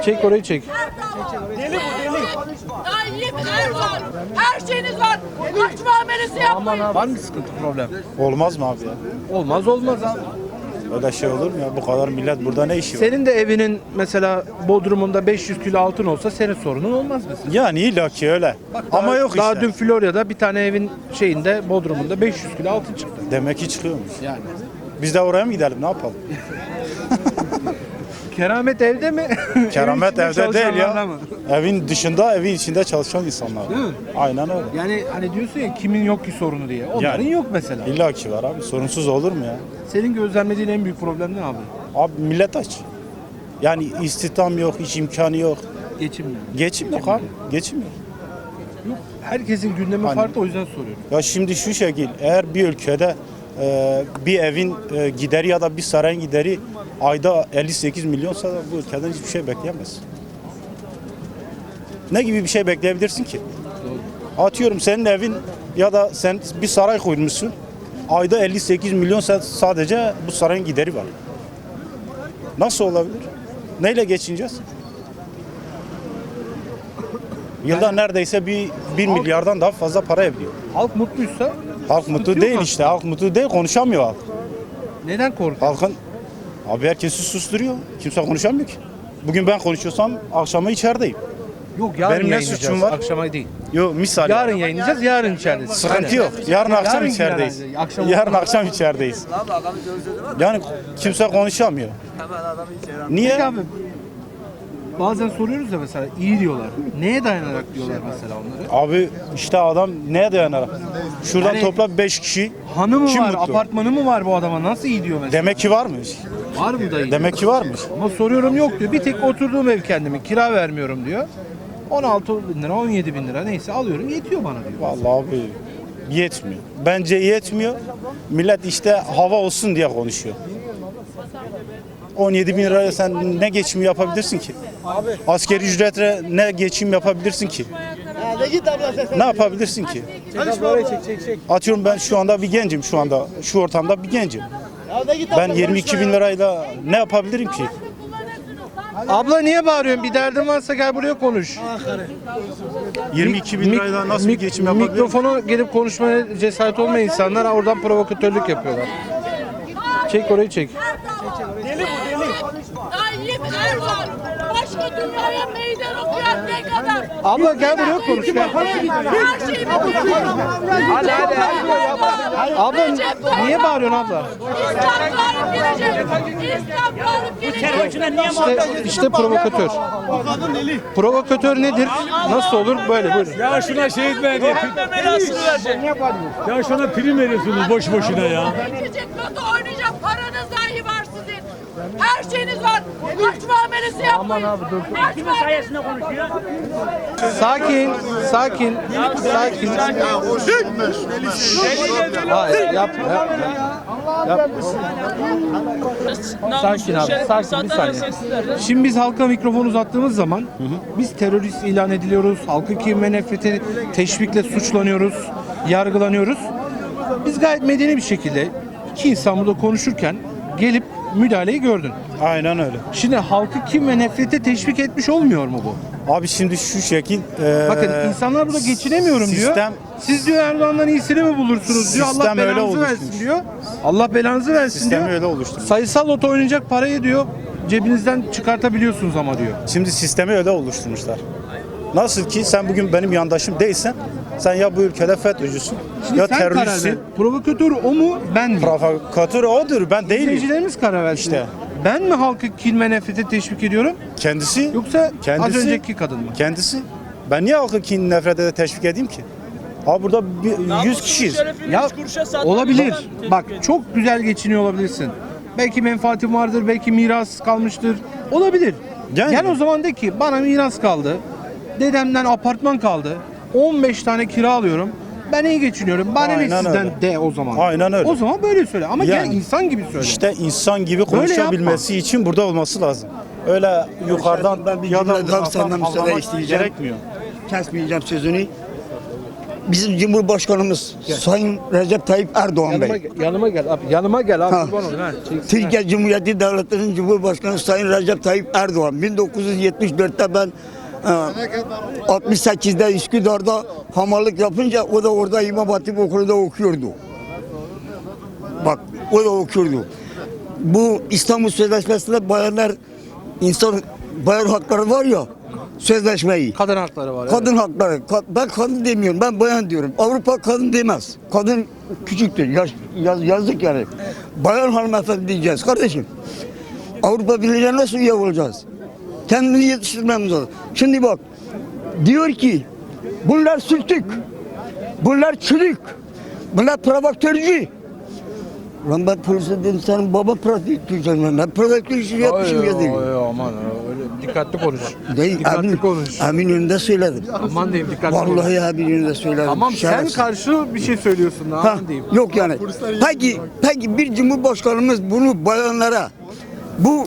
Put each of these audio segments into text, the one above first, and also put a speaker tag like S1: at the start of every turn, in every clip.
S1: Çek orayı çek.
S2: Deli bu deli. Tayyip Erdoğan. Her şeyiniz var. Kaç muamelesi yapmayın.
S1: Var mı sıkıntı, problem?
S3: Olmaz mı abi ya?
S1: Olmaz abi.
S3: Öyle şey olur mu ya? Bu kadar millet burada ne işi var?
S1: Senin de evinin mesela bodrumunda 500 kilo altın olsa senin sorunun olmaz mesela.
S3: Yani illa ki öyle. Ama yok
S1: Daha
S3: işte.
S1: dün Florya'da bir tane evin şeyinde bodrumunda 500 kilo altın çıktı.
S3: Demek ki çıkıyormuş.
S1: Yani.
S3: Biz de oraya mı gidelim? Ne yapalım?
S1: Keramet evde mi?
S3: Keramet
S1: Evin içinde
S3: evde değil
S1: çalışanlarla
S3: ya.
S1: mı?
S3: Evin dışında, evin içinde çalışan insanlar.
S1: Değil mi?
S3: Aynen öyle.
S1: Yani hani diyorsun ya kimin yok ki sorunu diye. Onların
S3: Yani.
S1: yok mesela.
S3: İlla ki var abi. Sorunsuz olur mu ya?
S1: Senin gözlemlediğin en büyük problem ne abi?
S3: Abi millet aç. Yani istihdam yok, hiç imkanı yok.
S1: Geçim mi?
S3: Geçim yok abi. Geçim yok.
S1: Yok. Herkesin gündemi
S3: Hani-
S1: farklı, o yüzden soruyorum.
S3: Ya şimdi şu şekil, eğer bir ülkede bir evin gideri ya da bir sarayın gideri ayda 58 milyonsa da bu ülkeden hiçbir şey bekleyemez. Ne gibi bir şey bekleyebilirsin ki? Atıyorum senin evin ya da sen bir saray kurmuşsun. Ayda 58 milyon sadece bu sarayın gideri var. Nasıl olabilir? Neyle geçineceğiz? Yılda neredeyse bir milyardan daha fazla para ediyor.
S1: Halk mutluysa
S3: Halk mutlu
S1: yok
S3: değil
S1: aslında.
S3: işte. Halk mutlu değil, konuşamıyor halk.
S1: neden korkuyor?
S3: Halkın abi herkesi susturuyor. Kimse konuşamıyor ki. Bugün ben konuşuyorsam akşama içerideyim.
S1: Yok, yarın
S3: Benim ne
S1: yayınlayacağız,
S3: suçum var?
S1: akşama değil.
S3: Yok misal.
S1: Yarın yayınlayacağız, yarın içerideyiz.
S3: Sıkıntı yok. Yarın akşam
S1: Yarın
S3: içerideyiz.
S1: herhalde, akşam
S3: Yarın akşam içerideyiz. Yani kimse konuşamıyor. Niye?
S1: Peki abi, bazen soruyoruz ya mesela, iyi diyorlar. Neye dayanarak diyorlar mesela onları?
S3: Abi işte adam neye dayanarak? Şuradan
S1: Yani-
S3: topla 5 kişi.
S1: Hanı mı
S3: Kim
S1: var,
S3: mutlu?
S1: apartmanı mı var bu adama, nasıl iyi diyor mesela?
S3: Demek ki varmış.
S1: Var mı dayı?
S3: Demek ki varmış.
S1: Ama soruyorum, yok diyor. Bir tek oturduğum ev kendimin, kira vermiyorum diyor. 16 bin lira, 17 bin lira neyse alıyorum, yetiyor bana diyor.
S3: Vallahi abi yetmiyor. Bence yetmiyor. Millet işte hava olsun diye konuşuyor. 17 bin liraya sen ne geçim yapabilirsin ki? Asgari ücretle ne geçim yapabilirsin ki? Ne yapabilirsin ki? Atıyorum ben şu anda bir gencim şu anda. Şu ortamda bir gencim. Ben 22 bin lirayla ne yapabilirim ki?
S1: Abla niye bağırıyorsun? Bir derdin varsa gel buraya konuş.
S3: 22 bin lirayla nasıl bir geçim yapabilirim?
S1: Mikrofonu gelip konuşmaya cesaret olmayan insanlar oradan provokatörlük yapıyorlar. Çek orayı çek.
S2: Deli bu deli. Tayyip Erdoğan. Başka dünyaya meydan okuyan ne kadar?
S1: Abla gel buraya konuş. Gel.
S2: Her şeyi
S1: Hadi. Abla niye bağırıyorsun abla?
S2: İslam galip gelecek. İslam galip gelecek.
S1: İşte provokatör. Provokatör nedir? Nasıl olur? Böyle buyurun.
S4: Ya şuna şey etmeyin diye. Ya şuna prim veriyorsunuz boş boşuna ya.
S2: Geçecek, kötü oynayacak. Paranız dahi var sizin. Her şeyiniz var. Kaç muamelesi yapmayın. Kaç sayesinde konuşuyor.
S1: Sakin. Hayır, yapma. Sakin abi, sakin bir saniye. Şimdi biz halka mikrofon uzattığımız zaman biz terörist ilan ediliyoruz, halkı kin ve nefrete teşvikle suçlanıyoruz, yargılanıyoruz. Biz gayet medeni bir şekilde iki insan burada konuşurken gelip müdahaleyi gördün.
S3: Aynen öyle.
S1: Şimdi halkı kin ve nefrete teşvik etmiş olmuyor mu bu?
S3: Abi şimdi şu şekil
S1: Bakın insanlar burada geçinemiyorum diyor.
S3: sistem-
S1: Siz diyor Erdoğan'dan iyisini mi bulursunuz diyor. Allah
S3: Sistem öyle
S1: belanızı versin
S3: oluşmuş.
S1: diyor. Allah belanızı versin
S3: Sistemi
S1: diyor.
S3: öyle oluşturmuş.
S1: Sayısal loto oynayacak parayı diyor cebinizden çıkartabiliyorsunuz ama diyor.
S3: Şimdi sistemi öyle oluşturmuşlar. Nasıl ki sen bugün benim yandaşım değilsen sen ya bu ülkede FETÖ'cüsün
S1: Şimdi
S3: ya
S1: sen karar ver.
S3: teröristsin.
S1: Provokatör o mu ben mi?
S3: Provokatör odur, ben değilim.
S1: İzleyicilerimiz karar versin.
S3: İşte.
S1: Ben mi halkı kin ve nefrete teşvik ediyorum
S3: Kendisi
S1: yoksa
S3: kendisi,
S1: az önceki kadın mı?
S3: Kendisi. Ben niye halkı kin nefrete de teşvik edeyim ki? Abi burada 100 kişiyiz.
S1: Ya olabilir. Bak çok güzel geçiniyor olabilirsin. Belki menfaatin vardır, belki miras kalmıştır. Olabilir.
S3: Yani.
S1: Gel o zaman de ki bana miras kaldı. Dedemden apartman kaldı. 15 tane kira alıyorum. Ben iyi geçiniyorum. Bana ne
S3: Aynen
S1: sizden
S3: öyle.
S1: de o zaman.
S3: Aynen öyle.
S1: O zaman böyle söyle. Ama
S3: Yani.
S1: gel insan gibi söyle.
S3: İşte insan gibi konuşabilmesi için burada olması lazım. Öyle yukarıdan
S5: Ben bir
S3: ya da
S5: cümle daha
S3: uzaktan
S5: senden müsaade
S3: anlamak
S5: isteyeceğim.
S3: gerekmiyor.
S5: Kesmeyeceğim sözünü. bizim Cumhurbaşkanımız Sayın Recep Tayyip Erdoğan Bey.
S1: Yanıma gel abi. Yanıma gel abi.
S5: Ha.
S1: Kurban olayım, ha. Çeksin, ha.
S5: Türkiye Cumhuriyeti Devleti'nin Cumhurbaşkanı Sayın Recep Tayyip Erdoğan 1974'te ben 68'de Üsküdar'da hamallık yapınca o da orada İmam Hatip Okulu'da okuyordu. Bak o da okuyordu. Bu İstanbul Sözleşmesi'nde bayan hakları var ya, sözleşmeyi.
S1: Kadın hakları var.
S5: Kadın hakları. Ben kadın demiyorum. Ben bayan diyorum. Avrupa kadın demez. Kadın küçüktür. Yazdık yani. Bayan hanımefendi diyeceğiz kardeşim. Avrupa Birliği'ne nasıl üye olacağız? Kendimizi yetiştirmemiz lazım. Şimdi bak. Diyor ki bunlar sürtük. Bunlar çürük. Bunlar provokatördü. Lan ben polise dedim senin baba provokatördü. Ben provokatör işi yapmışım ya dedim.
S1: Aman öyle dikkatli konuş.
S5: Değil,
S1: Dikkatli konuş.
S5: emin önünde söyledim.
S1: Aman diyeyim dikkatli konuş.
S5: Vallahi emin önünde söyledim.
S1: Tamam sen
S5: Şerefsiz.
S1: karşı bir şey söylüyorsun.
S5: Ha,
S1: Aman diyeyim.
S5: yok yani. Peki bir cumhurbaşkanımız bunu bayanlara, bu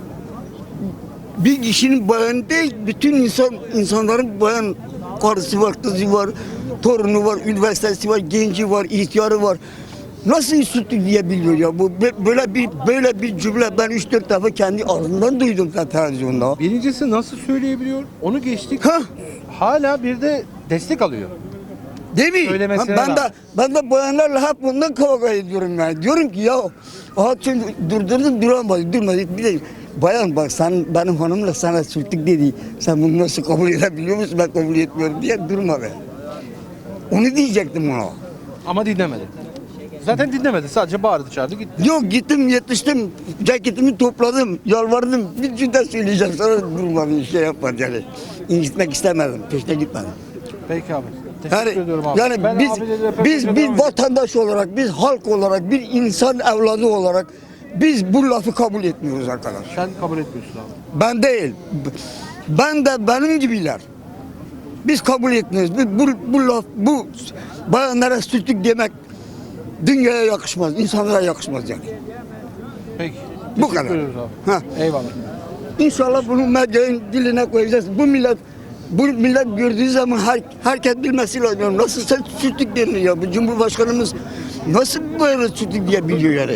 S5: bir kişinin bayanı değil, bütün insanların bayan karısı var, kızı var, torunu var, üniversitesi var, genci var, ihtiyarı var. Nasıl üstü diyebiliyor ya? Bu böyle bir cümle ben 3-4 defa kendi ağzımdan duydum televizyonda.
S1: Birincisi nasıl söyleyebiliyor? Onu geçtik.
S5: Ha?
S1: Hala bir de destek alıyor.
S5: Değil mi?
S1: Söylemesine
S5: Ben
S1: rağmen.
S5: de bayanlarla hep bundan kavga ediyorum yani. Diyorum ki ya şimdi durdurdum durmadı. Bir de bayan bak sen benim hanımla sana sürtük dedi. Sen bunu nasıl kabul edebiliyor musun? Ben kabul etmiyorum diye durma be. Onu diyecektim ona.
S1: Ama dinlemedi. Zaten dinlemedi. Sadece bağırdı çağırdı gitti.
S5: Yok gittim yetiştim. Ceketimi topladım. Yalvardım. Bir cümle söyleyeceğim. Sonra durmadım. Şey yapmadım yani. İncitmek istemedim. Peşte gitmedim.
S1: Peki abi. Teşekkür
S5: Yani,
S1: ediyorum abi.
S5: yani
S1: Ben
S5: biz
S1: abiyle röportaja
S5: biz
S1: devam
S5: bir
S1: edeyim.
S5: vatandaş olarak, biz halk olarak, bir insan evladı olarak biz bu lafı kabul etmiyoruz arkadaş.
S1: Sen kabul etmiyorsun abi.
S5: Ben değil. Ben de benim gibiler. Biz kabul etmiyoruz. Bu laf, bu bayanlara sürtük demek dünyaya yakışmaz, insanlara yakışmaz yani.
S1: Peki.
S5: Bu
S1: Teşekkür
S5: kadar.
S1: ediyoruz abi.
S5: Ha.
S1: Eyvallah.
S5: İnşallah bunu medyanın diline koyacağız. Bu millet gördüğü zaman herkes bilmesi lazım. Nasıl sen sürtük deniyor ya? Bu Cumhurbaşkanımız nasıl böyle sürtük diyebiliyor yani?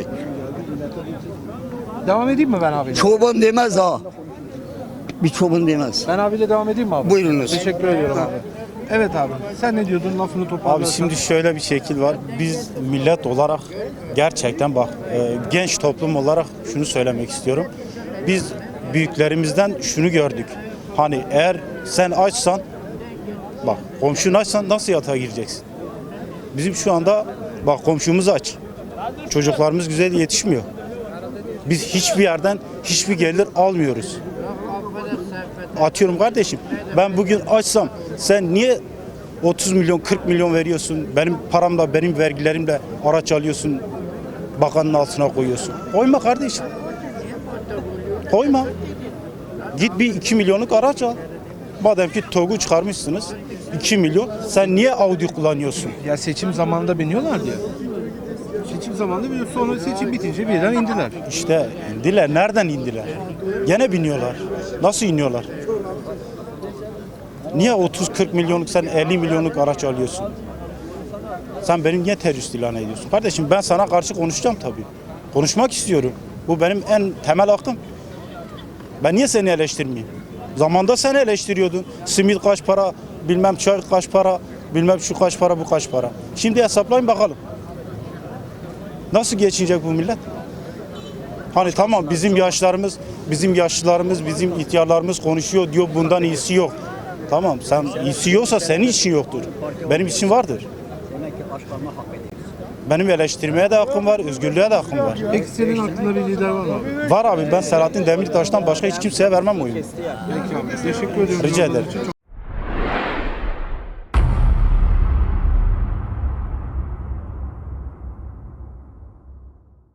S1: Devam edeyim mi ben abi?
S5: Çoban demez ha. Bir çoban demez.
S1: Ben abiyle devam edeyim mi abi?
S5: Buyurunuz.
S1: Teşekkür ediyorum abi. Evet abi. Sen ne diyordun? Lafını toparlarsan.
S3: Abi şimdi şöyle bir şekil var. Biz millet olarak gerçekten bak genç toplum olarak şunu söylemek istiyorum. Biz büyüklerimizden şunu gördük. Hani eğer sen açsan bak komşun açsan nasıl yatağa gireceksin? Bizim şu anda bak komşumuz aç. Çocuklarımız güzel yetişmiyor. Biz hiçbir yerden hiçbir gelir almıyoruz. Atıyorum kardeşim ben bugün açsam sen niye 30 milyon 40 milyon veriyorsun? Benim paramla benim vergilerimle araç alıyorsun. Bakanın altına koyuyorsun. Koyma kardeşim. Koyma. Git bir 2 milyonluk araç al. Madem ki TOG'u çıkarmışsınız 2 milyon sen niye Audi kullanıyorsun?
S1: Ya seçim zamanında biniyorlar diye. Seçim zamanında biniyor. Sonra seçim bitince birden indiler.
S3: İşte indiler. Nereden indiler? Gene biniyorlar. Nasıl iniyorlar? Niye 30-40 milyonluk sen 50 milyonluk araç alıyorsun? Sen benim niye terörist ilan ediyorsun? Kardeşim ben sana karşı konuşacağım tabii. Konuşmak istiyorum. Bu benim en temel hakkım. Ben niye seni eleştirmeyeyim? Zamanda sen eleştiriyordun. Simit kaç para, bilmem çay kaç para, bilmem şu kaç para, bu kaç para. Şimdi hesaplayın bakalım. Nasıl geçinecek bu millet? Hani tamam bizim yaşlarımız, bizim yaşlılarımız, bizim ihtiyarlarımız konuşuyor diyor bundan iyisi yok. Tamam sen iyisi yoksa senin için yoktur. Benim için vardır. Benim eleştirmeye de hakkım var, özgürlüğe de hakkım var.
S1: Peki senin aklında bir lider var mı abi?
S3: Var abi ben Selahattin Demirtaş'tan başka hiç kimseye vermem oyunu.
S1: Peki abi. Teşekkür ediyorum.
S3: Rica ederim.